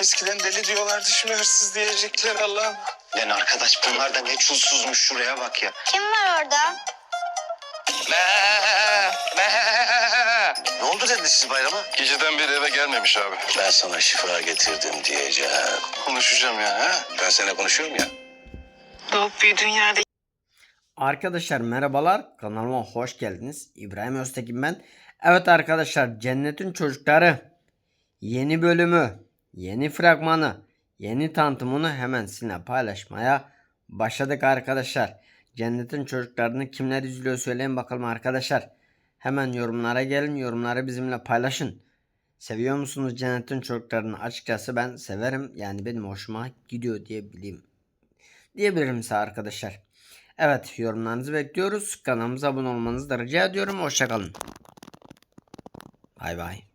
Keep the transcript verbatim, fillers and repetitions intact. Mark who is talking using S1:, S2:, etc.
S1: Eskiden deli diyorlardı, şimdi hırsız diyecekler Allah'ım.
S2: Lan arkadaş bunlar da ne çulsuzmuş, şuraya bak ya.
S3: Kim var orada?
S2: Ne oldu dedi siz bayrama?
S1: Geceden beri eve gelmemiş abi.
S2: Ben sana şifa getirdim diyeceğim.
S1: Konuşacağım ya. Ha?
S2: Ben seninle konuşuyorum ya.
S1: Doğup büyüdüğün yerde.
S4: Arkadaşlar merhabalar, kanalıma hoş geldiniz. İbrahim Öztekin ben. Evet arkadaşlar, Cennetin Çocukları yeni bölümü, yeni fragmanı, yeni tanıtımını hemen sizinle paylaşmaya başladık arkadaşlar. Cennetin Çocuklarını kimler izliyor söyleyin bakalım arkadaşlar. Hemen yorumlara gelin, yorumları bizimle paylaşın. Seviyor musunuz Cennetin Çocuklarını? Açıkçası ben severim, yani benim hoşuma gidiyor diyebileyim. Diyebilirim size arkadaşlar. Evet, yorumlarınızı bekliyoruz. Kanalımıza abone olmanızı da rica ediyorum. Hoşçakalın. Bay bay.